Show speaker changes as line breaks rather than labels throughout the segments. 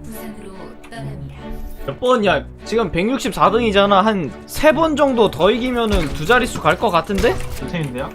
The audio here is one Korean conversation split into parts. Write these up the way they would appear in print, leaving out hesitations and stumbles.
부산으로 떠납니다.
몇 번이야? 지금 164등이잖아. 한 3번 정도 더 이기면은 두 자릿수 갈 것 같은데?
좋템인데요?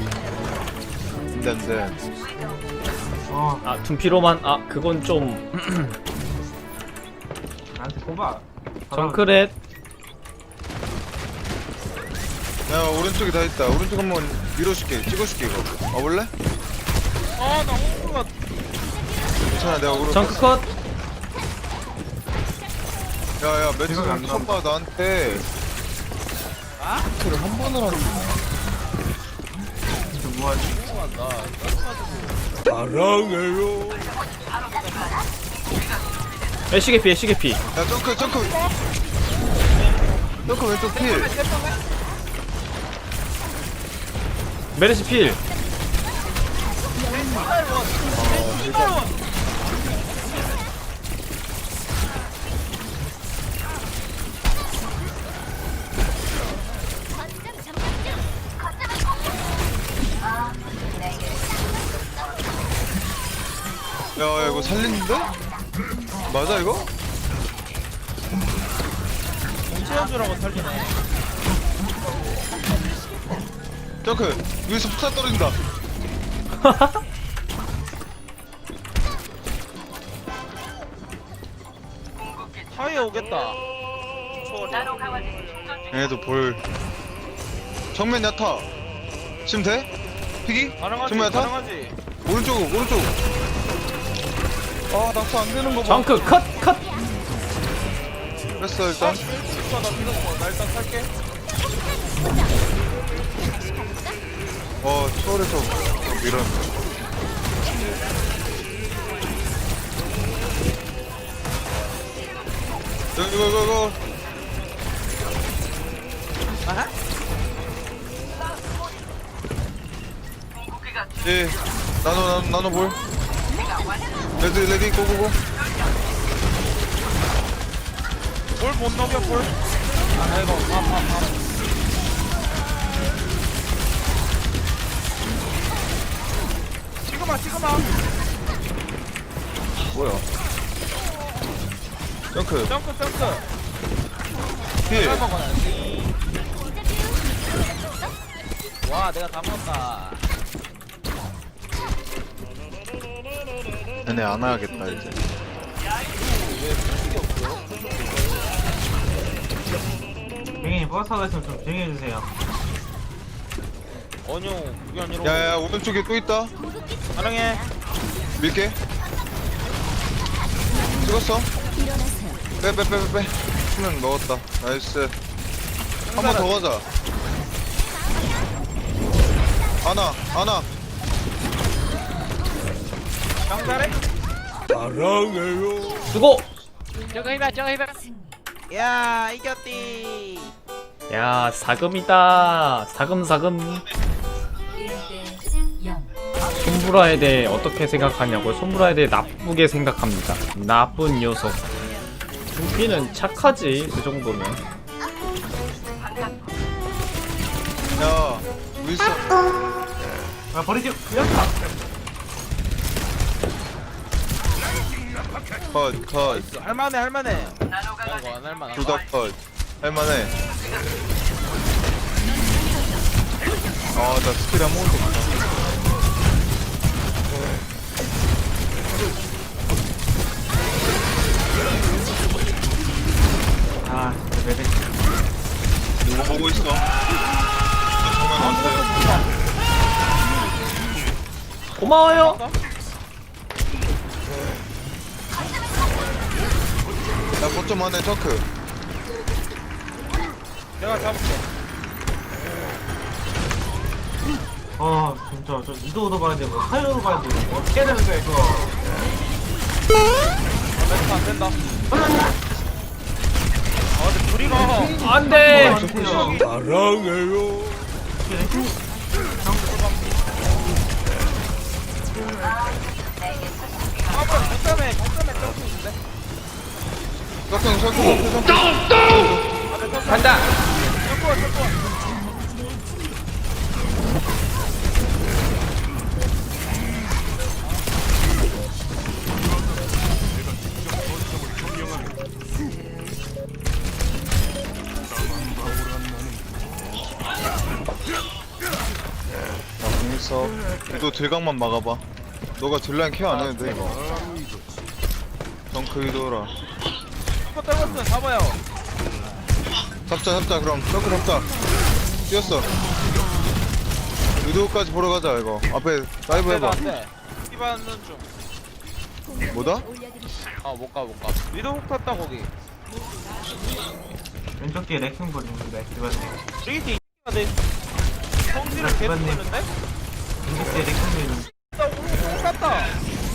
안돼.
아, 둔피로만. 아, 그건 좀.
나한테 뽑아.
정크렛.
야 오른쪽에 다 있다. 오른쪽 한번 밀어줄게. 찍어줄게 이거. 와볼래?
아나 호구가
괜찮아 내가 오른.
정크 컷.
야야 매트
지금 안
쳐봐 나한테. 를 한 번을 안
진짜 뭐하지?
애쉬게피, 애쉬게피.
야 점크 점크. 점크 왼쪽 필.
메르시 필.
야 이거 살리는데? 맞아 이거?
공채연주라고 살리네.
점크 위에서 폭탄 떨어진다.
하위에 오겠다.
얘네도 볼. 정면 야타. 지금 돼? 피기?
가능하지.
정면 야타?
가능하지.
오른쪽 오른쪽. 아 낙서 안 되는 거 봐.
정크 컷, 컷.
뺐어 일단.
나 믿었어. 나 일단 살게.
초월해서 밀어. 이거.
아하?
예. 나노 볼. 레디 고고고.
볼 못 넘겨 볼. 아 이거 밥. 지금아.
뭐야? 점크.
점크.
필.
잘 먹어야지. 와 내가 다 먹었다.
얘네 안 와야겠다 이제.
뱅이 버스가 있으면 좀 조용히 해주세요.
원용 그게 아니라.
야야 오른쪽에 또 있다.
가능해.
밀게. 찍었어. 빼. 수면 먹었다. 나이스. 한 번 더 가자. 아나.
장잘해.
수고.
저거 해봐. 야 이겼디.
야, 사금이다. 사금.
1대 0.
손브라에 대해 어떻게 생각하냐고요? 손브라에 대해 나쁘게 생각합니다. 나쁜 녀석. 둔피는 착하지, 그 정도면.
야 윌슨.
아 버리지.
컷.
할만해. 아이고 안 할만해.
둘 다 컷. 할만해. 나 스킬 아무것도 없다.
아 진짜 매력.
누구 보고 있어? 나 정말 왔어요.
고마워요.
나 거점 안에 저크.
내가 잡을게.
진짜 저 이도도 봐야 되고 사요도 봐야 되고 어떻게 해야 되는 거야 이거.
멘트 안 된다. 근데 둘이가
안 돼.
사랑해요.
거점에 점프 있는데.
저크.
간다.
점프.
녀석. 너 딜각만 막아봐. 너가 딜라인 케어 안 해도 돼 이거. 덩크 위도라.
이거 떨궜으면 잡아요.
잡자 그럼 덩크 잡자. 뛰었어. 위도까지 보러 가자 이거. 앞에 다이브 해봐.
안돼. 피받는 중.
뭐다?
못 가. 위도 훅 탔다 거기.
왼쪽 뒤에 레킹 보는데 기반님.
브리기티 이가 돼. 성질을 계속 내는데?
왼쪽 뒤에 레킹 보는.
나 오늘 훅 탔다.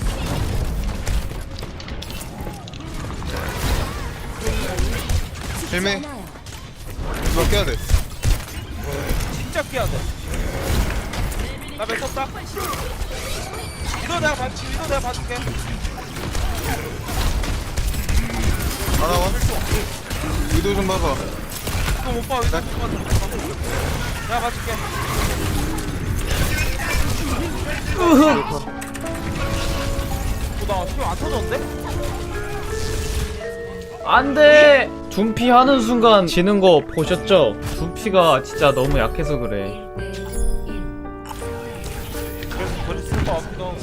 힐메. 이거 깨야 돼.
진짜 피해야 돼. 나몇 탔다. 위도 내가 봐줄게.
하나원. 위도 좀 봐봐.
이거 못 봐. 위도 못 봐. 내가 봐줄게. 나 지금 안 터졌는데?
안돼. 둠피 하는 순간 지는 거 보셨죠? 둠피가 진짜 너무 약해서 그래.
그래서 버리 쓸거 같기도 하고.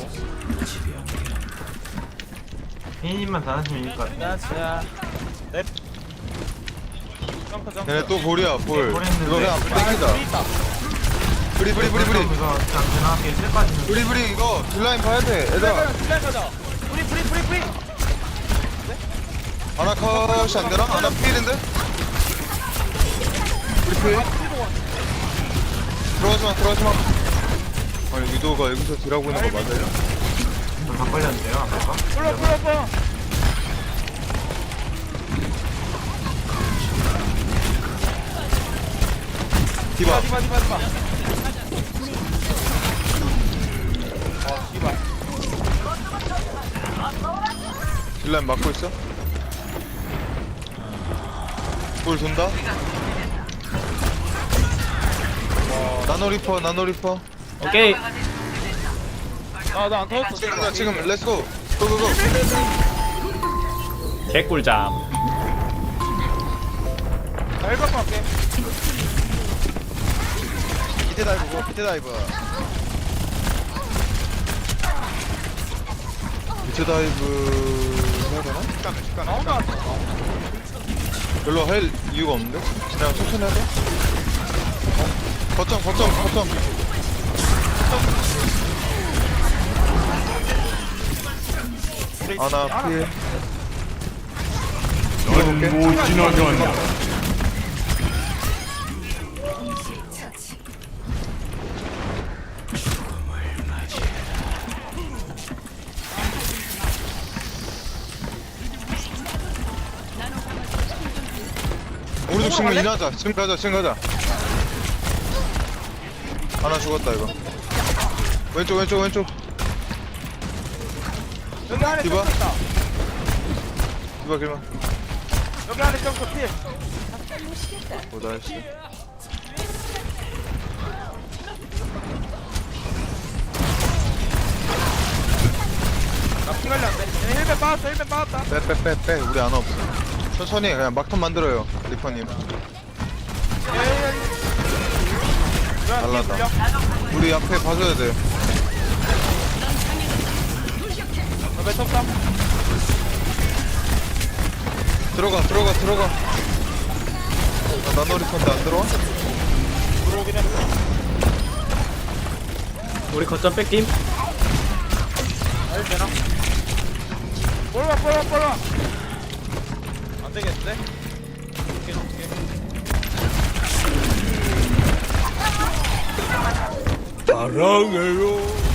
비니님만 잘하시면 이길 것 같아.
야지야. 넵. 점프.
얘네 또 볼이야 볼. 이거 그냥 땡기자.
있다.
브리.
이거 그냥 대나게 쓸 빠지는.
브리 이거 딜라인 봐야 돼 얘들아.
딜라인 가자. 프리.
아나 컷이 안 되나? 아나 필인데? 브리 필. 들어가지마. 아니 위도가 여기서 딜하고 있는 거 맞아요?
다 걸렸는데요 아까.
불러.
디바.
씨발.
딜라인 막고 있어? 볼 돈다? 나노 리퍼.
오케이.
나안 터졌어.
지금 렛츠고. 고고고.
개꿀잠.
나 헬멧 갈게.
밑에 다이브. 밑에 다이브 해야 되나?
나온다.
별로 할 이유가 없는데? 그냥 천천히 하자. 거점. 아나 피해. 이겨볼게. 오른쪽 지금 인하자. 지금 가자. 하나 죽었다 이거. 왼쪽.
여기 안에
디바?
점프 있다.
디바 길만.
여기 안에 점프 필.
나이스.
나피 관리 안 돼. 얘네 헬멧 빠졌다.
빼. 우리 안 없어. 천천히 그냥 막턴 만들어요. 리퍼님. 날라다. 우리 앞에 봐줘야 돼.
몇 쳤다?
들어가. 나노 리퍼인데 안 들어와?
들어오긴 했어.
우리 거점 뺏김.
헬 되나? 볼봐. 안 되겠는데? 줄게.
사랑해요.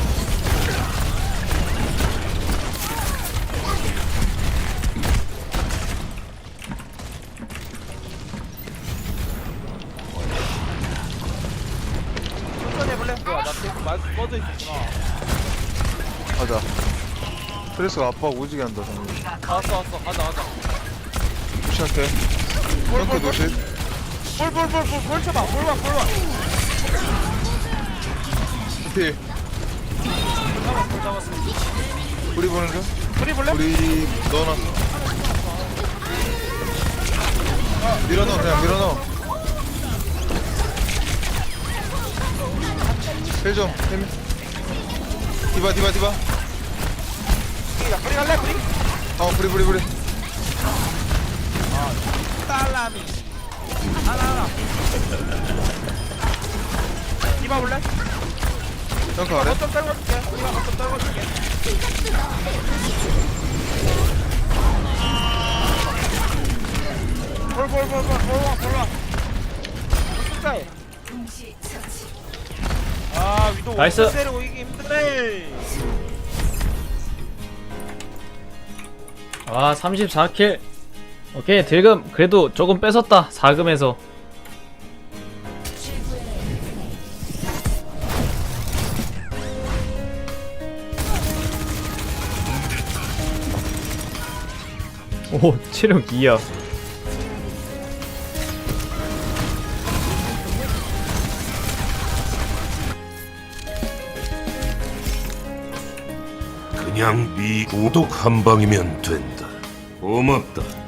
천천히 해볼래? 뭐야, 나 지금 마이크 꺼져 있었구나.
가자. 스트레스가 아빠 오지게 한다 정말.
왔어. 가자.
무시할게. 덩크 노실.
볼 쳐봐. 볼 봐.
필.
잡았어.
우리 보는 중.
프리 볼래?
우리 넣어놨어. 밀어넣어. 힐좀 힐. 디바 디바 디바.
야 뿌리 갈래 뿌리?
브리.
딸라미 하나 디바 볼래?
덩크 아래.
어쩜 떨궈줄게 디바 어쩜 떨궈줄게 볼와 숫자에
동시 처치.
아 위도
나이스.
때리고 이기 힘드네.
아 34킬. 오케이 딜금 그래도 조금 뺏었다 4금에서. 오 체력 2야.
그냥 네 구독 한 방이면 된다. 고맙다.